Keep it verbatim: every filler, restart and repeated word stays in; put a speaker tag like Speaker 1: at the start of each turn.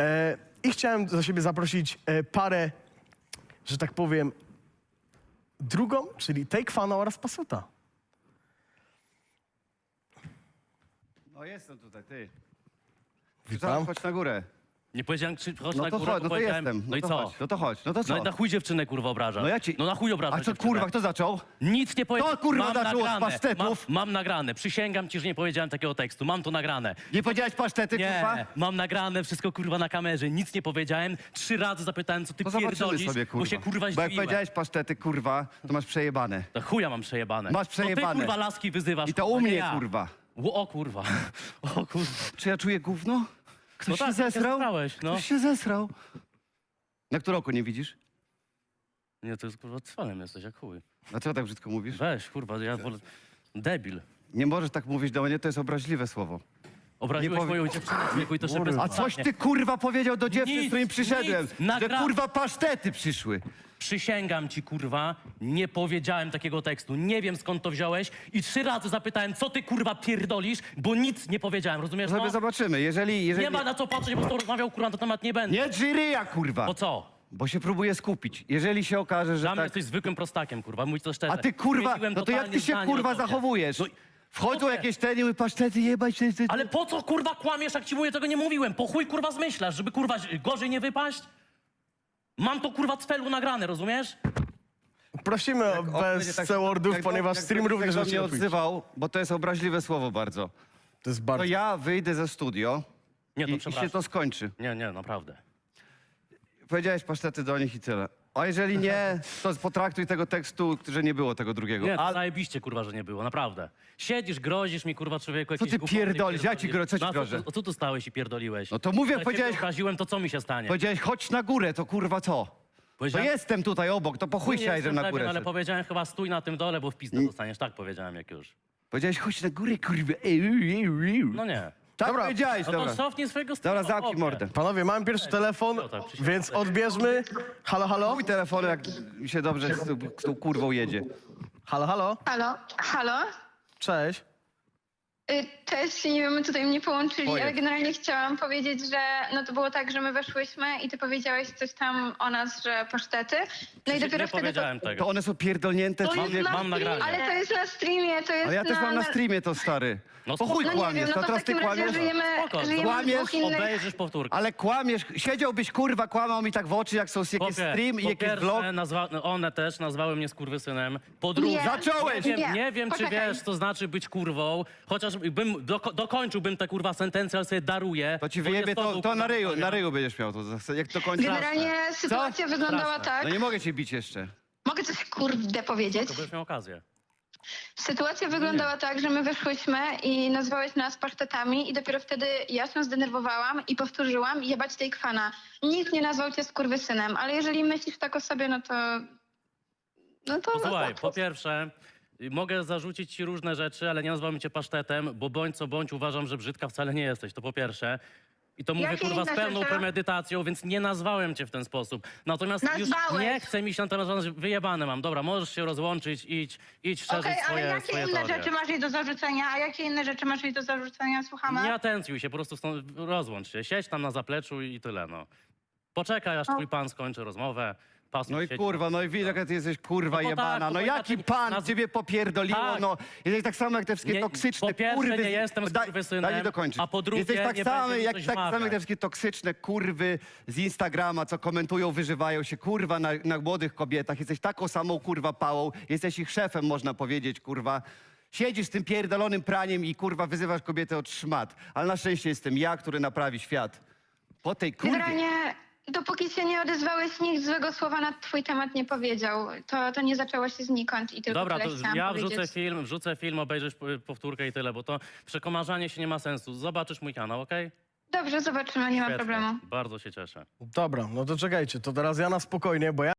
Speaker 1: E, I chciałem do siebie zaprosić e, parę, że tak powiem, drugą, czyli Take Fana oraz Pasuta.
Speaker 2: No jestem tutaj, ty.
Speaker 1: Witam.
Speaker 2: Chodź na górę.
Speaker 3: Nie powiedziałem, czy chodź
Speaker 2: No
Speaker 3: na
Speaker 2: to
Speaker 3: górę,
Speaker 2: chodź, no to
Speaker 3: powiedziałem,
Speaker 2: jestem.
Speaker 3: no i
Speaker 2: to
Speaker 3: co?
Speaker 2: Chodź, no to chodź, no to co?
Speaker 3: No i na chuj dziewczynę, kurwa, obrażasz.
Speaker 2: No ja ci-
Speaker 3: No na chuj obrażasz
Speaker 2: A co
Speaker 3: dziewczynę.
Speaker 2: kurwa, kto zaczął?
Speaker 3: Nic nie powiedziałem.
Speaker 2: Kto, kurwa,
Speaker 3: Mam
Speaker 2: zaczął od
Speaker 3: nagrane.
Speaker 2: pasztetów?
Speaker 3: Mam, mam nagrane. Przysięgam ci, że nie powiedziałem takiego tekstu. Mam to nagrane.
Speaker 2: Nie powiedziałeś pasztety,
Speaker 3: Nie,
Speaker 2: kurwa?
Speaker 3: mam nagrane, wszystko kurwa na kamerze. Nic nie powiedziałem. Trzy razy zapytałem, co ty
Speaker 2: To zobaczymy
Speaker 3: pierdolisz,
Speaker 2: sobie, kurwa.
Speaker 3: bo się kurwa
Speaker 2: Bo jak
Speaker 3: zdziwiłem.
Speaker 2: powiedziałeś pasztety, kurwa, to masz przejebane.
Speaker 3: To chuja mam przejebane.
Speaker 2: Masz
Speaker 3: To
Speaker 2: przejebane.
Speaker 3: ty kurwa laski wyzywasz.
Speaker 2: I to
Speaker 3: kurwa,
Speaker 2: u
Speaker 3: nie
Speaker 2: mnie,
Speaker 3: ja.
Speaker 2: kurwa.
Speaker 3: O kurwa. O kurwa.
Speaker 2: Czy ja czuję gówno? Ktoś
Speaker 3: No
Speaker 2: się
Speaker 3: tak, się
Speaker 2: zesrał?
Speaker 3: zesrałeś, no.
Speaker 2: Ktoś się zesrał. Na którą roku nie widzisz?
Speaker 3: Nie, to jest kurwa cwanem jesteś, jak chuj.
Speaker 2: Dlaczego tak brzydko mówisz?
Speaker 3: Weź, kurwa, ja wolę... Debil.
Speaker 2: Nie możesz tak mówić do mnie, to jest obraźliwe słowo.
Speaker 3: Obraziłeś
Speaker 2: powie-
Speaker 3: moją dziewczynę w wieku i to jeszcze
Speaker 1: Kurwa.
Speaker 2: A coś ty kurwa powiedział do dziewczyn,
Speaker 3: Nic,
Speaker 2: z którymi przyszedłem?
Speaker 3: nic.
Speaker 2: Że
Speaker 3: Nagra-
Speaker 2: kurwa pasztety przyszły.
Speaker 3: Przysięgam ci, kurwa, nie powiedziałem takiego tekstu. Nie wiem, skąd to wziąłeś i trzy razy zapytałem, co ty, kurwa, pierdolisz, bo nic nie powiedziałem, rozumiesz
Speaker 2: Sobie
Speaker 3: to?
Speaker 2: zobaczymy, jeżeli... jeżeli...
Speaker 3: Nie ma na co patrzeć, bo z tobą rozmawiał, kurwa, na ten temat nie będę.
Speaker 2: Nie dżyryja, kurwa!
Speaker 3: Bo co?
Speaker 2: Bo się próbuję skupić. Jeżeli się okaże, że
Speaker 3: Dla mnie
Speaker 2: tak...
Speaker 3: jesteś zwykłym prostakiem, kurwa, mój to szczerze.
Speaker 2: A ty kurwa,
Speaker 3: Zmieniłem
Speaker 2: no to jak
Speaker 3: totalnie
Speaker 2: ty się
Speaker 3: zdanie
Speaker 2: kurwa
Speaker 3: o tobie.
Speaker 2: zachowujesz?
Speaker 3: No,
Speaker 2: Wchodzą
Speaker 3: chłopie,
Speaker 2: jakieś te niby pasztety jebać... Ty, ty, ty.
Speaker 3: Ale po co, kurwa, kłamiesz, jak ci mówię, tego nie mówiłem? Po chuj, kurwa, zmyślasz, żeby, kurwa, gorzej nie wypaść? Mam to, kurwa, z felu nagrane, rozumiesz?
Speaker 1: Prosimy o
Speaker 2: O, będzie
Speaker 1: bez
Speaker 2: tak-
Speaker 1: C-wordów,
Speaker 2: jak-
Speaker 1: ponieważ
Speaker 2: jak
Speaker 1: stream
Speaker 2: będziesz
Speaker 1: również
Speaker 2: tak do mnie
Speaker 1: zaczyna pójść.
Speaker 2: odzywał, bo to jest obraźliwe słowo bardzo.
Speaker 1: To jest
Speaker 2: To
Speaker 1: bardzo...
Speaker 2: ja wyjdę ze studio
Speaker 3: Nie, to
Speaker 2: i, i
Speaker 3: przepraszam.
Speaker 2: się to skończy.
Speaker 3: Nie, nie, naprawdę.
Speaker 2: Powiedziałeś pasztety do nich i tyle. A jeżeli nie, to potraktuj tego tekstu, że nie było tego drugiego.
Speaker 3: Nie, to
Speaker 2: A
Speaker 3: zajebiście, kurwa, że nie było, naprawdę. Siedzisz, grozisz mi, kurwa, człowieku, jakieś
Speaker 2: ty
Speaker 3: głupoty
Speaker 2: pierdolisz? Ja ci
Speaker 3: pierdolisz.
Speaker 2: gro- co ci
Speaker 3: No, a
Speaker 2: grożę?
Speaker 3: tu- Co tu stałeś i pierdoliłeś?
Speaker 2: No to mówię,
Speaker 3: Jak
Speaker 2: powiedziałeś-
Speaker 3: ciebie obraziłem, to co mi się stanie?
Speaker 2: powiedziałeś, chodź na górę, to kurwa co? To
Speaker 3: Powiedziałem-
Speaker 2: jestem tutaj obok, to po chuj
Speaker 3: Nie
Speaker 2: chciałeś,
Speaker 3: jestem
Speaker 2: żebym na
Speaker 3: pewien,
Speaker 2: górę
Speaker 3: ale
Speaker 2: szedł.
Speaker 3: powiedziałem chyba stój na tym dole, bo w pizdę dostaniesz. Tak powiedziałem, jak już.
Speaker 2: Powiedziałeś, chodź na górę, kurwa. Ej, ej, ej, ej.
Speaker 3: No nie.
Speaker 2: Tak
Speaker 1: Dobra.
Speaker 2: powiedziałeś,
Speaker 3: No
Speaker 2: dobra.
Speaker 3: to cofnij swojego
Speaker 2: Dobra,
Speaker 3: stylu,
Speaker 2: zamknij
Speaker 3: chłopie.
Speaker 2: mordę.
Speaker 1: Panowie, mamy pierwszy telefon,
Speaker 3: tak, przysięgam.
Speaker 1: więc odbierzmy. Halo, halo?
Speaker 2: Mój telefon, jak mi się dobrze z, tą- z tą kurwą jedzie.
Speaker 1: Halo, halo?
Speaker 4: Halo, halo?
Speaker 1: Cześć.
Speaker 4: Y, Cześć, nie wiem, tutaj mnie połączyli,
Speaker 2: Ojej.
Speaker 4: ale generalnie chciałam powiedzieć, że no to było tak, że my weszłyśmy i ty powiedziałeś coś tam o nas, że pasztety. No i
Speaker 3: Nie
Speaker 4: dopiero wtedy
Speaker 3: powiedziałem
Speaker 4: to...
Speaker 3: tego.
Speaker 2: To one są pierdolnięte,
Speaker 4: To jest
Speaker 2: człowiek.
Speaker 4: na
Speaker 3: mam
Speaker 4: streamie,
Speaker 3: nagranie.
Speaker 4: ale to jest na streamie, to jest
Speaker 2: Ale ja też
Speaker 4: na...
Speaker 2: mam na streamie to, stary.
Speaker 3: No
Speaker 2: Po chuj
Speaker 4: No nie
Speaker 2: kłamiesz,
Speaker 4: wiem, no
Speaker 2: to
Speaker 4: to w
Speaker 2: teraz ty
Speaker 4: takim razie
Speaker 2: kłamiesz.
Speaker 4: żyjemy,
Speaker 3: Spoko,
Speaker 4: żyjemy w
Speaker 2: kłamiesz,
Speaker 4: dwóch innych...
Speaker 3: Obejrzysz powtórkę.
Speaker 2: Ale kłamiesz, siedziałbyś kurwa, kłamał mi tak w oczy, jak są jakiś
Speaker 3: Chłopie,
Speaker 2: stream i
Speaker 3: po
Speaker 2: jakiś
Speaker 3: pierwsze,
Speaker 2: vlog.
Speaker 3: nazwa, no one też nazwały mnie skurwysynem. Po drugie,
Speaker 4: Nie,
Speaker 2: Zacząłeś!
Speaker 3: nie wiem,
Speaker 4: Nie,
Speaker 3: nie wiem czy
Speaker 4: poczekaj.
Speaker 3: wiesz, co znaczy być kurwą. Chociaż bym doko dokończyłbym tę kurwa sentencję, ale sobie daruję.
Speaker 2: To ci
Speaker 3: bo
Speaker 2: wyjebie,
Speaker 3: jest
Speaker 2: to,
Speaker 3: był,
Speaker 2: to na
Speaker 3: kurwa,
Speaker 2: ryju,
Speaker 3: historia.
Speaker 2: na ryju będziesz miał to. Jak to kończysz?
Speaker 4: Generalnie sytuacja wyglądała
Speaker 3: Straszne.
Speaker 4: tak...
Speaker 2: No nie mogę cię bić jeszcze.
Speaker 4: Mogę coś kurde powiedzieć?
Speaker 3: To będziesz miał okazję.
Speaker 4: Sytuacja wyglądała tak, że my wyszłyśmy i nazwałeś nas pasztetami i dopiero wtedy ja się zdenerwowałam i powtórzyłam jebać tej kwana. Nikt nie nazwał cię skurwysynem, ale jeżeli myślisz tak o sobie, no to... No to...
Speaker 3: Posłuchaj,
Speaker 4: no to-
Speaker 3: po pierwsze, y, mogę zarzucić ci różne rzeczy, ale nie nazwałem cię pasztetem, bo bądź co bądź uważam, że brzydka wcale nie jesteś, to po pierwsze. I to mówię
Speaker 4: Jakie
Speaker 3: kurwa z
Speaker 4: inne
Speaker 3: pełną
Speaker 4: rzeczy?
Speaker 3: premedytacją, więc nie nazwałem cię w ten sposób. Natomiast już
Speaker 4: Nazwałeś.
Speaker 3: nie chcę mi się na temat rozmawiać, wyjebane mam. Dobra, możesz się rozłączyć, idź, idź szerzyć
Speaker 5: Okej, ale
Speaker 3: swoje,
Speaker 5: jakie
Speaker 3: swoje
Speaker 5: inne
Speaker 3: teorie.
Speaker 5: rzeczy masz jej do zarzucenia? A jakie inne rzeczy masz jej do zarzucenia? Słuchamy.
Speaker 3: Nie atencjuj się, po prostu stąd rozłącz się. Siedź tam na zapleczu i tyle, no. Poczekaj, aż twój pan skończy rozmowę. Pasuj,
Speaker 2: No i
Speaker 3: siedź
Speaker 2: kurwa,
Speaker 3: tam.
Speaker 2: no i widać, jaka ty jesteś kurwa
Speaker 3: No to
Speaker 2: jebana.
Speaker 3: tak,
Speaker 2: no
Speaker 3: to
Speaker 2: jaki
Speaker 3: inaczej-
Speaker 2: pan
Speaker 3: naz-
Speaker 2: ciebie popierdoliło,
Speaker 3: Tak.
Speaker 2: no. Jesteś tak samo jak te wszystkie
Speaker 3: Nie,
Speaker 2: toksyczne
Speaker 3: po pierwsze,
Speaker 2: kurwy.
Speaker 3: nie jestem
Speaker 2: daj,
Speaker 3: skurwysynem,
Speaker 2: daj mi dokończyć.
Speaker 3: a po drugie,
Speaker 2: Jesteś tak
Speaker 3: nie
Speaker 2: samo
Speaker 3: będzie mi
Speaker 2: jak,
Speaker 3: coś
Speaker 2: tak samo jak te
Speaker 3: wmawiać.
Speaker 2: wszystkie toksyczne kurwy z Instagrama, co komentują, wyżywają się, kurwa, na, na młodych kobietach. Jesteś taką samą kurwa pałą. Jesteś ich szefem, można powiedzieć, kurwa. Siedzisz z tym pierdolonym praniem i kurwa wyzywasz kobietę od szmat. Ale na szczęście jestem ja, który naprawi świat. Po tej kurwie.
Speaker 4: Generalnie, dopóki się nie odezwałeś, nikt złego słowa na twój temat nie powiedział. To, to nie zaczęło się znikąd i tylko
Speaker 3: Dobra,
Speaker 4: tyle
Speaker 3: to
Speaker 4: chciałam
Speaker 3: ja
Speaker 4: powiedzieć.
Speaker 3: wrzucę film, wrzucę film, obejrzysz p- powtórkę i tyle, bo to przekomarzanie się nie ma sensu. Zobaczysz mój kanał, okej?
Speaker 4: Dobrze, zobaczymy, nie ma
Speaker 3: Świetnie.
Speaker 4: problemu.
Speaker 3: Bardzo się cieszę.
Speaker 1: Dobra, no to czekajcie, to teraz ja na spokojnie, bo ja